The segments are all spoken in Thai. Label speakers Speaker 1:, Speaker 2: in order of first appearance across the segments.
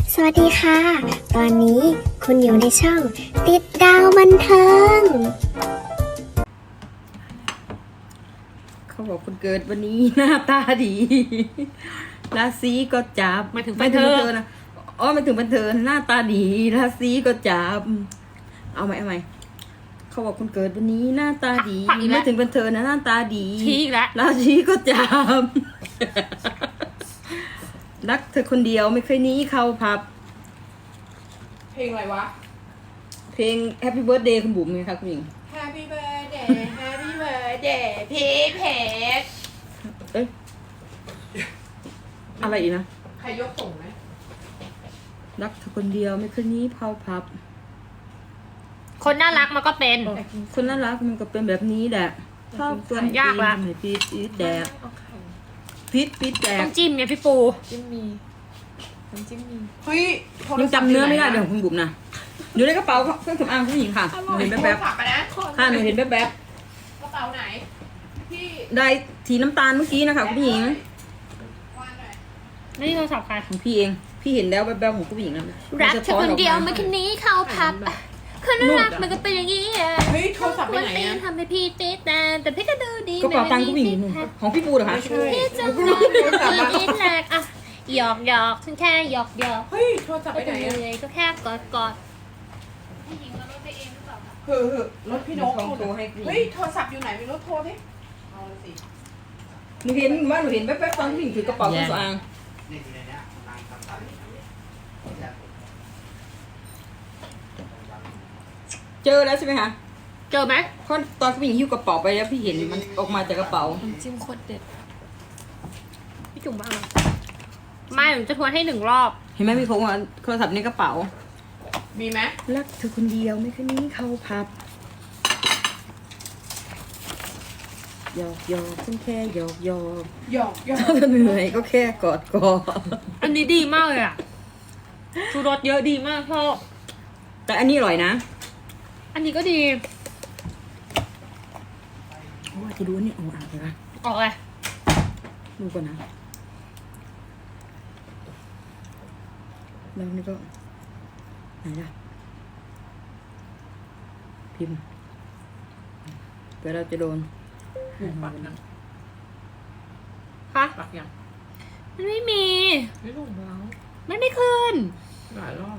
Speaker 1: สวัสดีค่ะ ตอนนี้คุณอยู่ในช่องติดดาวบันเทิง
Speaker 2: เขาบอกคุณเกิดวันนี้หน้าตาดีราศีก็จับ
Speaker 3: ไม่ถึงบันเทิง
Speaker 2: นะอ๋อไม่ถึงบันเทิงหน้าตาดีราศีก็จับเอาไหมเขาบอกคุณเกิดวันนี้หน้าตาดี
Speaker 3: ผักอีกแล้ว
Speaker 2: ไม่ถึงบันเทิงนะหน้าตาดี
Speaker 3: ชี้อีกแล้ว
Speaker 2: ราศีก็จับรักเธอคนเดียวไม่เคยหนี้เข้าผับ
Speaker 4: เพลงอะไรวะ
Speaker 2: เพลง Happy Birthday คุณบุ๋มไงคะคุณหญิง
Speaker 4: Happy birthday Happy birthday พี่เพชร
Speaker 2: เอ๊ะอะไรอีกนะ
Speaker 4: ใครยกส่งไหม
Speaker 2: รักเธอคนเดียวไม่เคยหนี้เข้าผับ
Speaker 3: คนน่ารักมันก็เป็น
Speaker 2: คนน่ารักมันก็เป็นแบบนี้แหละชอบตัว
Speaker 3: ยากละ
Speaker 2: พีดแดก
Speaker 4: เอาไข่
Speaker 2: พีดแด
Speaker 3: ต้
Speaker 2: ก
Speaker 3: องจิ้มไงพี่ปู
Speaker 4: จิ้มมีน้ำจิ้มมีเฮ้ยโทร
Speaker 2: ยัง
Speaker 4: ศัพท์
Speaker 2: จำเนื้อไม่ได้
Speaker 4: ยู่ห
Speaker 2: เดี๋ยวของคุณบุ๋มนะอยู่ในกระเป๋าเครื่องสำอางผู้หญิงค่ะหนูเห็น
Speaker 4: โทร
Speaker 2: แป๊บ
Speaker 4: ศัพท์ไปนะ
Speaker 2: ๆค่ะหนูเห็นแป๊บ
Speaker 4: กระเป๋าไหน พี่
Speaker 2: ๆได้สีน้ำตาลเมื่อกี้นะคะคุณผู้หญิง
Speaker 4: วางหน่อย
Speaker 3: นี่โทรศัพท์ใคร
Speaker 2: ของพี่เองพี่เห็นแล้วแป๊บๆของผู้หญิงนะ
Speaker 3: รักเธอคนเดียว
Speaker 2: มั
Speaker 3: ไม่
Speaker 2: น
Speaker 3: คนนี้เข้าพับคนน่ารักมันก็เป็นอย่างนี้อะ
Speaker 4: เฮ้ยโทรศัพท์ไป
Speaker 3: ควร
Speaker 4: ไหน
Speaker 3: ตี
Speaker 4: อะ
Speaker 3: ทำให้พี่ติดแต่พี่ก็ดูดี
Speaker 2: กระเป๋าตังค์ผู้หญิงอยู่นู่นของพี่ปูเหรอคะ
Speaker 3: พี่จะมองพี่แรกอะหยอกฉันแค่หยอก
Speaker 4: เฮ้ยโทรศัพท์
Speaker 3: ก็
Speaker 4: ไปไหน
Speaker 3: จะ
Speaker 4: อะ
Speaker 3: เลยก็แค่กอดผู้หญิงก็รถไปเองหรือเปล่าคะ
Speaker 4: เฮ้ยรถพี่นก
Speaker 2: โทรให้ผู้หญิง
Speaker 4: เฮ้ยโทรศัพท์อยู่ไหนไม่รู้โทรดิเอาเลยสิ
Speaker 2: หนูเห็นว่าหนูเห็นแป๊บๆตอนผู้หญิงถือกระเป๋าเครื่องสำอางเจอแล้วใช่ไหมคะ
Speaker 3: เจอไหม
Speaker 2: เพราะตอนผู้หญิงหิ้วกระเป๋าไปแล้วพี่เห็นมันออกมาจากกระเป๋า
Speaker 4: จิ้มโคตรเด็ด
Speaker 3: พี่จุ๋มบ้างไม่หนูจะทวนให้1 รอบ
Speaker 2: เห็นไหมมีโทรศัพท์ในกระเป๋า
Speaker 4: มีไหม
Speaker 2: รักเธอคนเดียวไม่เคยหนี้เข้าพับหยอกฉันแค่หยอก
Speaker 4: หยอก
Speaker 2: ถ้าเหนื่อยก็แค่กอด
Speaker 3: อันนี้ดีมากเลยอ่ะชูรสเยอะดีมากพ่อ
Speaker 2: แต่อันนี้อร่อยนะ
Speaker 3: อันนี้ก็ดี
Speaker 2: โอ้ยจะดูอันนี่เอาอ่านไปปะ
Speaker 3: ออกเลย
Speaker 2: ดูก่อนนะแล้วนี่ก็ไหนล่ะพิมพ์เดี๋ยวเราจะโดน
Speaker 4: ปักยัง
Speaker 3: คะ
Speaker 4: ปักยัง
Speaker 3: มันไม่มี
Speaker 4: ไม่ลงแล้ว
Speaker 3: มันไม่ขึ้น
Speaker 4: หลายรอบ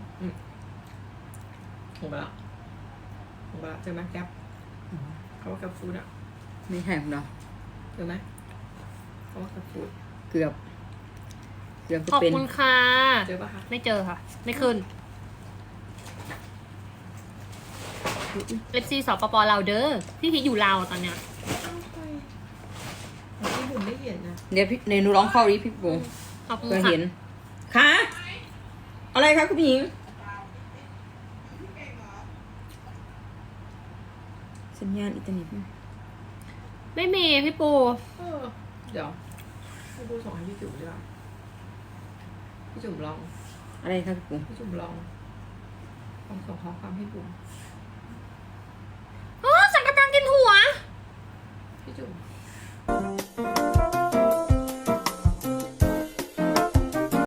Speaker 4: ลงไปแล้วลงไปแล้วเจอไหมแก๊ปเขาว่าแก๊ปฟูดอะ
Speaker 2: ไม่แห้งเนาะ
Speaker 4: เจอไหมเขาว่าแก๊ปฟูด
Speaker 2: เกือบจะ
Speaker 3: ขอบ
Speaker 2: เป็น
Speaker 3: คุณค่ะ
Speaker 4: เจอปะคะ
Speaker 3: ไม่เจอค่ะ ไม่ขึ้นเอฟซีสปปลาวเด้อพี่พีชอยู่ลาวตอนเนี้ย
Speaker 4: พี่บุ๋มไม่เห็นนะ
Speaker 2: เดี๋ยวพี่ในหนูร้องเข้าดิพี่ปุง
Speaker 3: ขอบคุณ
Speaker 2: เพื่อ
Speaker 3: ค่ะ
Speaker 2: เห็นค่ะอะไรคะคุณผู้หญิงสัญญาณอินเทอร์เน็ตไหม
Speaker 3: ไม่มีพี่ปู
Speaker 4: เดี๋ยวให้ดูส่งให้พี่จุ๋มดีกว่าพี่จุ๋มลอง
Speaker 2: อะไรคะพี่ปุง
Speaker 4: พี่จุ๋มลองส่งข้อความให้บุ๋ม
Speaker 3: อ๋อสังกะตังกินหัว
Speaker 4: พี่จุ๋ม